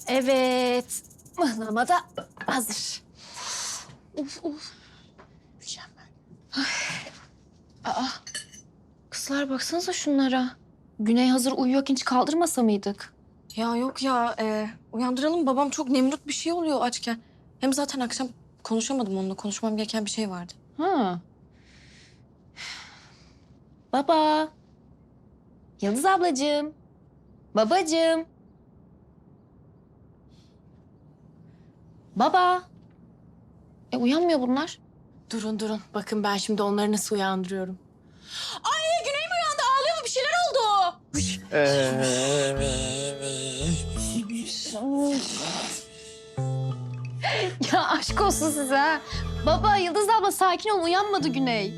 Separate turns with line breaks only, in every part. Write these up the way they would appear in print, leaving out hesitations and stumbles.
Evet. Mıhlama da hazır. Uf uf. Mükemmel. Aa, kızlar baksanıza şunlara. Güney hazır uyuyorken hiç kaldırmasa mıydık?
Ya yok ya, uyandıralım. Babam çok nemrut bir şey oluyor açken. Hem zaten akşam konuşamadım onunla. Konuşmam gereken bir şey vardı.
Ha. Baba. Yıldız ablacığım. Babacığım. Baba. Uyanmıyor bunlar.
Durun. Bakın ben şimdi onları nasıl uyandırıyorum. Ay Güney mi uyandı? Ağlıyor mu? Bir şeyler oldu.
Ya aşk olsun size ha. Baba, Yıldız abla sakin ol. Uyanmadı Güney.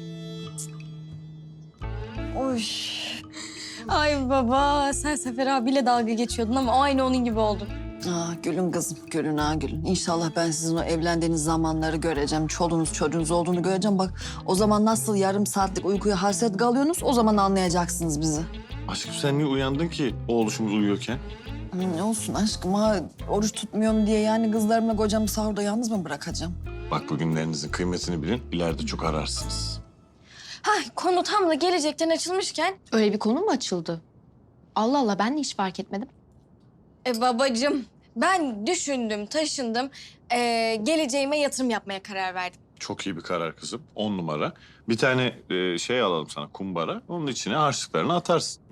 Oy. Ay baba, sen Sefer abiyle dalga geçiyordun ama aynı onun gibi oldun.
Gülün kızım, gülün gülün. İnşallah ben sizin o evlendiğiniz zamanları göreceğim. Çoluğunuz çocuğunuz olduğunu göreceğim. Bak o zaman nasıl yarım saatlik uykuya hasret kalıyorsunuz o zaman anlayacaksınız bizi.
Aşkım sen niye uyandın ki oğluşumuz uyuyorken?
Ne olsun aşkım oruç tutmuyorum diye yani kızlarımla kocamı sahurda yalnız mı bırakacağım?
Bak bugünlerinizin kıymetini bilin, ileride çok ararsınız.
Konu tam da gelecekten açılmışken...
Öyle bir konu mu açıldı? Allah Allah, ben de hiç fark etmedim.
Babacığım, ben düşündüm, taşındım. Geleceğime yatırım yapmaya karar verdim.
Çok iyi bir karar kızım, 10 numara. Bir tane şey alalım sana, kumbara. Onun içine harçlıklarını atarsın.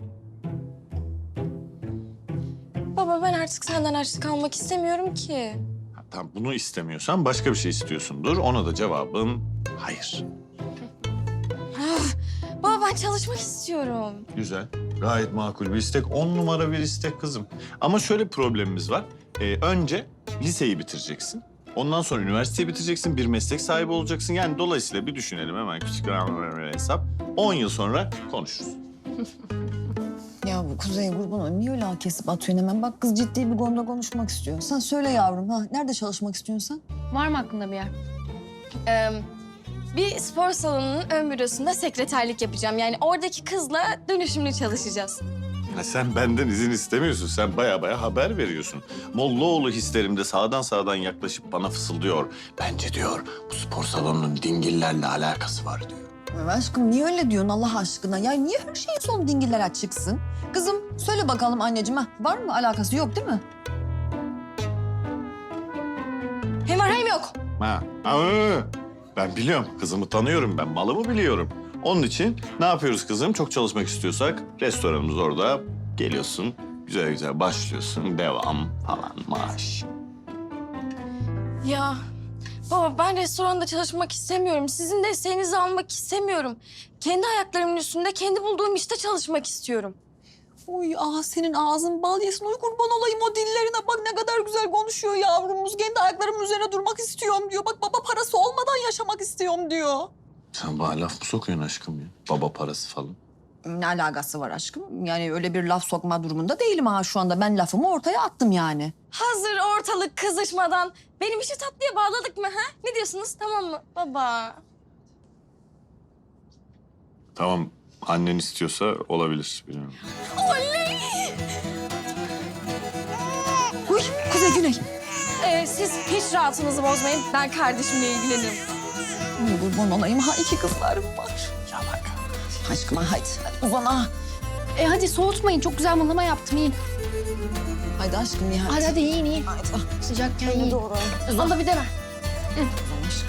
Baba ben artık senden harçlık almak istemiyorum ki.
Tamam, bunu istemiyorsan başka bir şey istiyorsundur. Ona da cevabın hayır.
Baba ben çalışmak istiyorum.
Güzel, gayet makul bir istek. 10 numara bir istek kızım. Ama şöyle bir problemimiz var. Önce liseyi bitireceksin. Ondan sonra üniversiteyi bitireceksin. Bir meslek sahibi olacaksın. Yani dolayısıyla bir düşünelim hemen küçük bir hesap. 10 yıl sonra konuşuruz.
Ya bu Kuzey kurban niye öyle kesip atıyorsun hemen? Bak kız ciddi bir konuda konuşmak istiyor. Sen söyle yavrum nerede çalışmak istiyorsun sen?
Var mı aklında bir yer?
Bir spor salonunun ön bürosunda sekreterlik yapacağım. Yani oradaki kızla dönüşümlü çalışacağız.
Ha, sen benden izin istemiyorsun. Sen baya haber veriyorsun. Mollaoğlu hislerimde sağdan yaklaşıp bana fısıldıyor. Bence diyor bu spor salonunun dingillerle alakası var diyor.
Aşkım niye öyle diyorsun Allah aşkına? Ya niye her şeyin sonu dingillere çıksın? Kızım söyle bakalım anneciğim var mı alakası yok değil mi?
Hem var hem yok.
Ben biliyorum. Kızımı tanıyorum ben. Malımı biliyorum. Onun için ne yapıyoruz kızım? Çok çalışmak istiyorsak restoranımız orada. Geliyorsun. Güzel başlıyorsun. Devam falan maaş.
Ya baba ben restoranda çalışmak istemiyorum. Sizin desteğinizi almak istemiyorum. Kendi ayaklarımın üstünde kendi bulduğum işte çalışmak istiyorum.
Uy senin ağzın bal yesin. Uy kurban olayım o dillerine bak ne kadar güzel konuşuyor yavrumuz. Kendi ayaklarımın üzerine durmak istiyorum diyor. Bak baba parası olmadan yaşamak istiyorum diyor.
Sen bana laf mı sokuyorsun aşkım ya? Baba parası falan.
Ne alakası var aşkım? Yani öyle bir laf sokma durumunda değilim şu anda. Ben lafımı ortaya attım yani.
Hazır ortalık kızışmadan benim işi tatlıya bağladık mı ha? Ne diyorsunuz tamam mı baba?
Tamam. Annen istiyorsa olabilir. Bilmiyorum.
Oley!
Uy Kuzey Güney.
Siz hiç rahatınızı bozmayın. Ben kardeşimle ilgilenirim.
Uy kurban olayım iki kızlarım var.
Yalaka.
Aşkım hadi uzan
Hadi soğutmayın. Çok güzel mıhlama yaptım. Yiyin.
Haydi aşkım ya
Hadi yiyin.
Haydi.
Sıcakken
Beni
yiyin.
doğru.
Abla bir de ver.
Uzan aşkım.